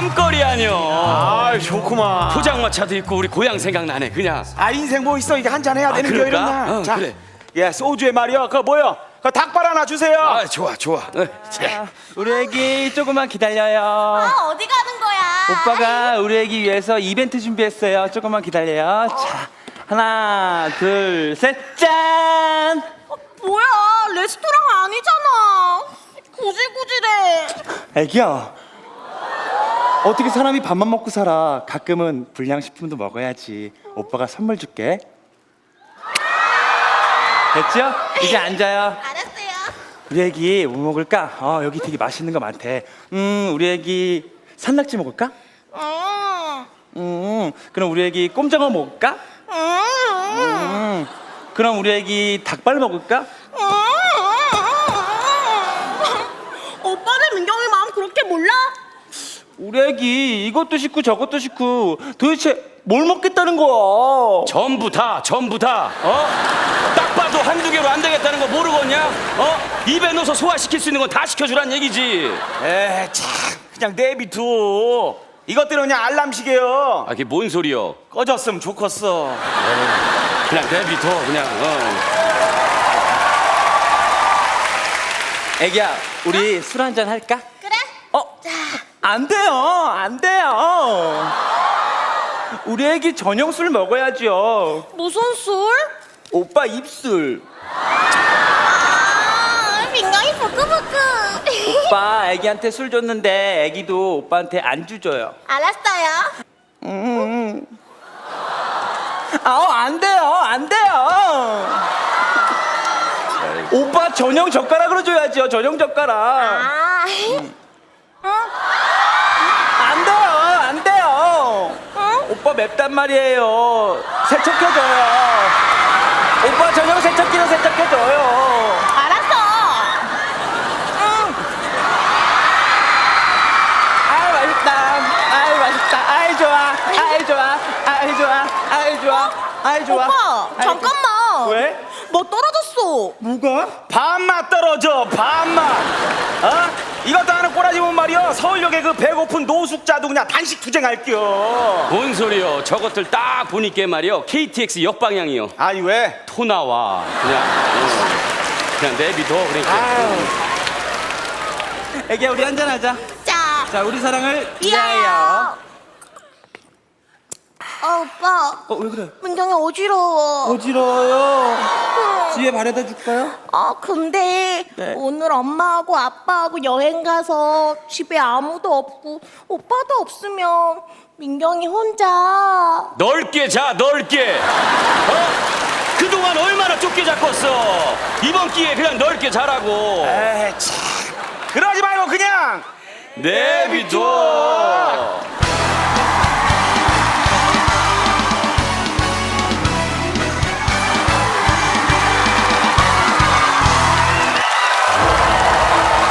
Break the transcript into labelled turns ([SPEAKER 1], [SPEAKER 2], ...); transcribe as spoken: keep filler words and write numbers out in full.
[SPEAKER 1] 먹거리 아니여.
[SPEAKER 2] 아 좋구만.
[SPEAKER 1] 포장마차도 있고 우리 고향 생각나네 그냥.
[SPEAKER 2] 아 인생 뭐 있어, 이게 한잔 해야
[SPEAKER 1] 아,
[SPEAKER 2] 되는 게
[SPEAKER 1] 그럴까?
[SPEAKER 2] 이런 날.
[SPEAKER 1] 어,
[SPEAKER 2] 자,
[SPEAKER 1] 그래.
[SPEAKER 2] 예, 소주에 말이야. 그 뭐요? 그 닭발 하나 주세요.
[SPEAKER 1] 아 좋아 좋아. 어, 자.
[SPEAKER 3] 우리 애기 조금만 기다려요.
[SPEAKER 4] 아, 어디 가는 거야?
[SPEAKER 3] 오빠가 우리 애기 위해서 이벤트 준비했어요. 조금만 기다려요. 자, 하나, 둘, 셋, 짠!
[SPEAKER 4] 어, 뭐야, 레스토랑 아니잖아. 구질구질해.
[SPEAKER 3] 애기야, 어떻게 사람이 밥만 먹고 살아? 가끔은 불량식품도 먹어야지. 오빠가 선물 줄게. 됐죠? 이제 앉아요.
[SPEAKER 4] 알았어요.
[SPEAKER 3] 우리 애기 뭐 먹을까? 어, 여기 되게 맛있는 거 많대. 음, 우리 애기 산낙지 먹을까?
[SPEAKER 4] 음,
[SPEAKER 3] 음, 그럼 우리 애기 꼼장어 먹을까?
[SPEAKER 4] 음,
[SPEAKER 3] 음, 그럼 우리 애기 닭발 먹을까?
[SPEAKER 4] 음. 오빠는 민경이 마음 그렇게 몰라?
[SPEAKER 3] 우리 애기 이것도 싫고 저것도 싫고 도대체 뭘 먹겠다는 거야?
[SPEAKER 1] 전부 다 전부 다 어? 딱 봐도 한두 개로 안 되겠다는 거 모르겠냐? 어? 입에 넣어서 소화시킬 수 있는 건 다 시켜주란 얘기지.
[SPEAKER 2] 에, 참, 그냥 내비둬. 이것들은 그냥 알람시계요.
[SPEAKER 1] 아 그게 뭔 소리여?
[SPEAKER 2] 꺼졌으면 좋겠어.
[SPEAKER 1] 그냥 내비둬 그냥. 어.
[SPEAKER 3] 애기야, 우리 술 한잔 할까?
[SPEAKER 4] 그래?
[SPEAKER 3] 어? 안 돼요, 안 돼요. 우리 애기 저녁 술 먹어야죠.
[SPEAKER 4] 무슨 술?
[SPEAKER 3] 오빠 입술.
[SPEAKER 4] 아, 민경이 부끄부끄.
[SPEAKER 3] 오빠 애기한테 술 줬는데 애기도 오빠한테 안주 줘요.
[SPEAKER 4] 알았어요.
[SPEAKER 3] 음. 아우, 안 돼요, 안 돼요. 오빠 전용 젓가락으로 줘야죠, 전용 젓가락.
[SPEAKER 4] 아, 어?
[SPEAKER 3] 안 돼요, 안 돼요.
[SPEAKER 4] 어?
[SPEAKER 3] 오빠 맵단 말이에요. 세척해줘요. 오빠 전용 세척기로 세척해줘요.
[SPEAKER 4] 알았어. 응.
[SPEAKER 3] 아유, 맛있다. 아유, 맛있다. 아이 좋아. 아이 좋아. 아이 좋아. 아이 좋아. 아이 좋아.
[SPEAKER 4] 오빠,
[SPEAKER 3] 아이
[SPEAKER 4] 잠깐만.
[SPEAKER 3] 왜?
[SPEAKER 4] 뭐 떨어졌어.
[SPEAKER 3] 뭐가?
[SPEAKER 2] 반맛 떨어져, 반맛. 어? 이것도 하는 꼬라지 못 말이야. 서울역에 그 배고픈 노숙자도 그냥 단식 투쟁할게요.
[SPEAKER 1] 뭔 소리여? 저것들 딱 보니까 말이여 케이티엑스 역방향이요.
[SPEAKER 2] 아니 왜?
[SPEAKER 1] 토 나와 그냥. 어. 그냥 내비둬 그러니까.
[SPEAKER 3] 애기야, 우리 한잔하자.
[SPEAKER 4] 자,
[SPEAKER 3] 자, 우리 사랑을
[SPEAKER 4] 위하여.
[SPEAKER 3] 위하여.
[SPEAKER 4] 아, 오빠.
[SPEAKER 3] 어, 왜 그래?
[SPEAKER 4] 민경이 어지러워.
[SPEAKER 3] 어지러워요. 뒤에 바래다 줄까요?
[SPEAKER 4] 아, 근데
[SPEAKER 3] 네.
[SPEAKER 4] 오늘 엄마하고 아빠하고 여행 가서 집에 아무도 없고 오빠도 없으면 민경이 혼자.
[SPEAKER 1] 넓게 자 넓게. 어? 그동안 얼마나 좁게 잡았어. 이번 기회에 그냥 넓게 자라고.
[SPEAKER 2] 에이 참. 그러지 말고 그냥
[SPEAKER 1] 내비둬.